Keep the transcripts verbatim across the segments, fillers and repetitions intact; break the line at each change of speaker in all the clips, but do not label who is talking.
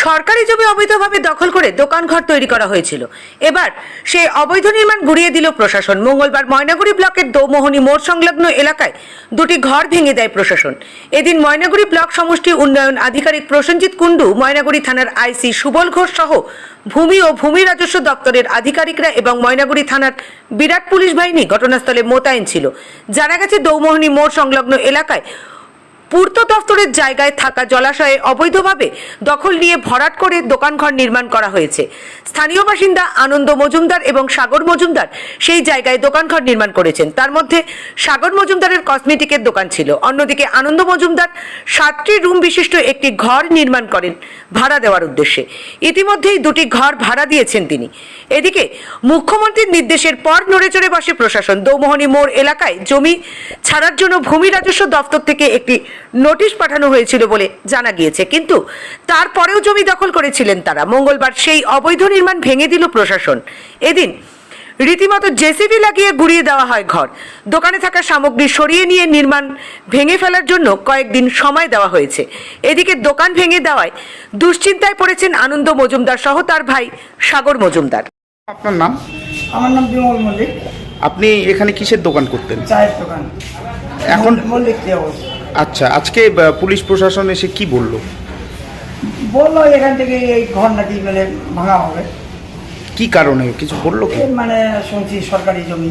সরকারি জমি অবৈধভাবে দখল করে দোকানঘর তৈরি করা হয়েছিল। এবার সেই অবৈধ নির্মাণ গুড়িয়ে দিল প্রশাসন। মঙ্গলবার ময়নাগুড়ি ব্লকের দৌমোহনী মোড় সংলগ্ন এলাকায় দুটি ঘর ভেঙে দেয় প্রশাসন। এদিন ময়নাগুড়ি ব্লক সমষ্টি উন্নয়ন আধিকারিক প্রসেনজিৎ কুণ্ডু, ময়নাগুড়ি থানার আইসি সুবল ঘোষ সহ ভূমি ও ভূমি রাজস্ব দপ্তরের আধিকারিকরা এবং ময়নাগুড়ি থানার বিরাট পুলিশ বাহিনী ঘটনাস্থলে মোতায়েন ছিল। জানা গেছে, দৌমোহনী মোড় সংলগ্ন এলাকায় পূর্ত দফতরের জায়গায় থাকা জলাশয়ে অবৈধভাবে দখল নিয়ে ভরাট করে দোকানঘর নির্মাণ করা হয়েছে। স্থানীয় বাসিন্দা আনন্দ মজুমদার এবং সাগর মজুমদার সেই জায়গায় দোকানঘর নির্মাণ করেছেন। তার মধ্যে সাগর মজুমদারের কসমেটিকের দোকান ছিল। অন্যদিকে আনন্দ মজুমদার সাতটি রুম বিশিষ্ট একটি ঘর নির্মাণ করেন ভাড়া দেওয়ার উদ্দেশ্যে। ইতিমধ্যেই দুটি ঘর ভাড়া দিয়েছেন তিনি। এদিকে মুখ্যমন্ত্রীর নির্দেশের পর নড়েচড়ে বসে প্রশাসন। দৌমোহনী মোড় এলাকায় জমি ছাড়ার জন্য ভূমি রাজস্ব দপ্তর থেকে একটি নোটিশ পাঠানো হয়েছিল বলে জানা গিয়েছে, কিন্তু তারপরেও জমি দখল করেছিলেন তারা। মঙ্গলবার সেই অবৈধ নির্মাণ ভেঙে দিল প্রশাসন। এদিন রীতিমতো জেসিবি লাগিয়ে গুড়িয়ে দেওয়া হয় ঘর। দোকানে থাকা সামগ্রী সরিয়ে নিয়ে নির্মাণ ভেঙে ফেলার জন্য কয়েকদিন সময় দেওয়া হয়েছে। এদিকে দোকান ভেঙে দেওয়ায় দুশ্চিন্তায় পড়েছেন আনন্দ মজুমদার সহ তার ভাই সাগর মজুমদার।
আপনার নাম?
আমার নাম বিমল মল্লিক।
আপনি এখানে কিসের দোকান করতেন?
চায়ের দোকান।
এখন
মল্লিক দেওয়াস।
আচ্ছা, আজকে পুলিশ প্রশাসন এসে কি বললো?
বললো এখান থেকে এই ঘর নাকি মানে ভাঙা হবে।
কি কারণে কিছু বললো কি?
মানে শুনছি সরকারি জমি।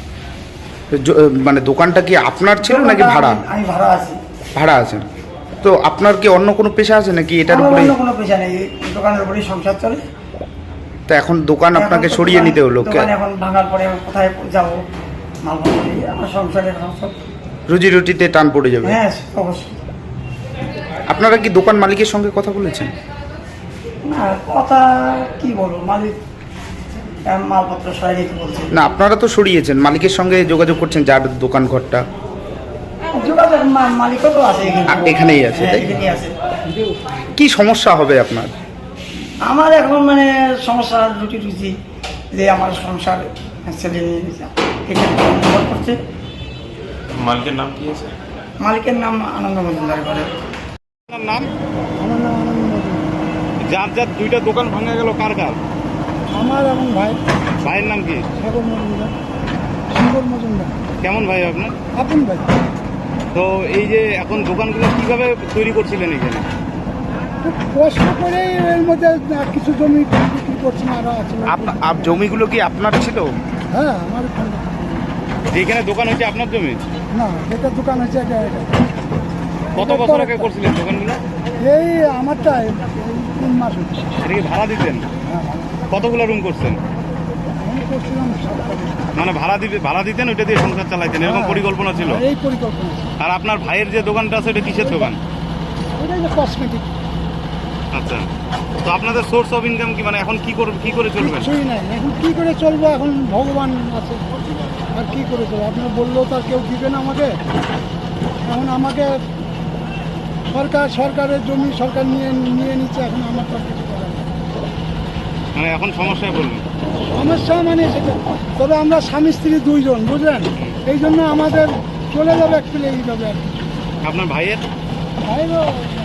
জ- মানে দোকানটা কি আপনার ছিল নাকি ভাড়া?
আমি ভাড়া আছি।
ভাড়া আছেন তো আপনার কি অন্য কোনো পেশা আছে নাকি এটার
আমার
উপরে?
অন্য কোনো পেশা নেই, দোকানের উপরেই সংসার চলে।
তা এখন দোকান আপনাকে
এখন তো
সরিয়ে
দোকান-
নিতে হলো।
দোকান এখন ভাঙার পরে আমি কোথায় যাবো? মালপত্র নিয়ে আমার সংসারে এখন সব।
রুজি রুটিতে টান পড়ে যাবে।
হ্যাঁ অবশ্যই।
আপনারা কি দোকান মালিকের সঙ্গে কথা বলেছেন?
না, কথা কি বলবো, মালিক আহ, মালপত্র সরাই দিতে বলছে।
না, আপনারা তো সরিয়েছেন, মালিকের সঙ্গে যোগাযোগ করছেন যার দোকান ঘরটা।
যোগাযোগ মা- মালিকও তো আছে এখানে।
আ- এখানেই আছে,
হ্যাঁ,
তাই?
এখানেই আছে।
কি সমস্যা হবে আপনার?
আমার এখন মানে সমস্যা রুটি রুজি যে আমার সংসার ছেলে নিয়ে এখানে নির্ভর করছে।
মালিকের নাম কি আছে?
মালিকের নাম আনন্দ মজুমদার করে।
আপনার নাম?
আমার নাম আনন্দ মজুমদার।
যার যার দুইটা দোকান ভাঙা গেল, কার কার?
আমার এবং ভাই
ভাইয়ের নাম কি?
সাগর মজুমদার। সাগর মজুমদার
কেমন ভাই আপনার?
আপন ভাই।
তো এই যে এখন দোকানগুলো কিভাবে তৈরি করছিলেন এখানে?
খুব কষ্ট করে এর মধ্যে কিছু জমি বিক্রি করছেন, আরও আছে।
আপ- আপ জমিগুলো কি আপনার ছিল?
হ্যাঁ, আমার
যেখানে দোকান হচ্ছে আপনার জমি?
না, যেটা দোকান হচ্ছে
কত বছর আগে করছিলেন দোকানগুলো?
এই আমারটা তিন মাস হচ্ছে।
এটা কি ভাড়া দিতেন?
হ্যাঁ,
কতগুলো রুম করছেন?
আমি করছিলাম সাতটা।
মানে ভাড়া দিতে ভাড়া দিতেন, ওইটা দিয়ে সংসার চালাইতেন, এরকম
হ্যাঁ।
পরিকল্পনা ছিল?
এই পরিকল্পনা।
আর আপনার ভাইয়ের যে দোকানটা আছে ওটা কিসের দোকান?
ওটা যে কসমেটিক।
আচ্ছা, তো আপনাদের সোর্স অফ ইনকাম কি, মানে এখন কি করে কি করে চলবেন?
কিছুই নাই, এখন কি করে চলবো? এখন ভগবান আছে, আর কি করে চলবো? আপনার বললেও তো আর কেউ দিবে না আমাকে। এখন আমাকে সরকার সরকারের জমি সরকার নিয়ে নিয়ে নিচ্ছে, এখন আমার তো আর কিছু করার নেই।
মানে এখন সমস্যায় বলবেন?
সমস্যা মানে সেটা, তবে আমরা স্বামী স্ত্রী দুইজন, বুঝলেন, এই জন্য আমাদের চলে যাবে একচুয়ালি এইভাবে আর কি।
আপনার ভাইয়ের?
ভাইরও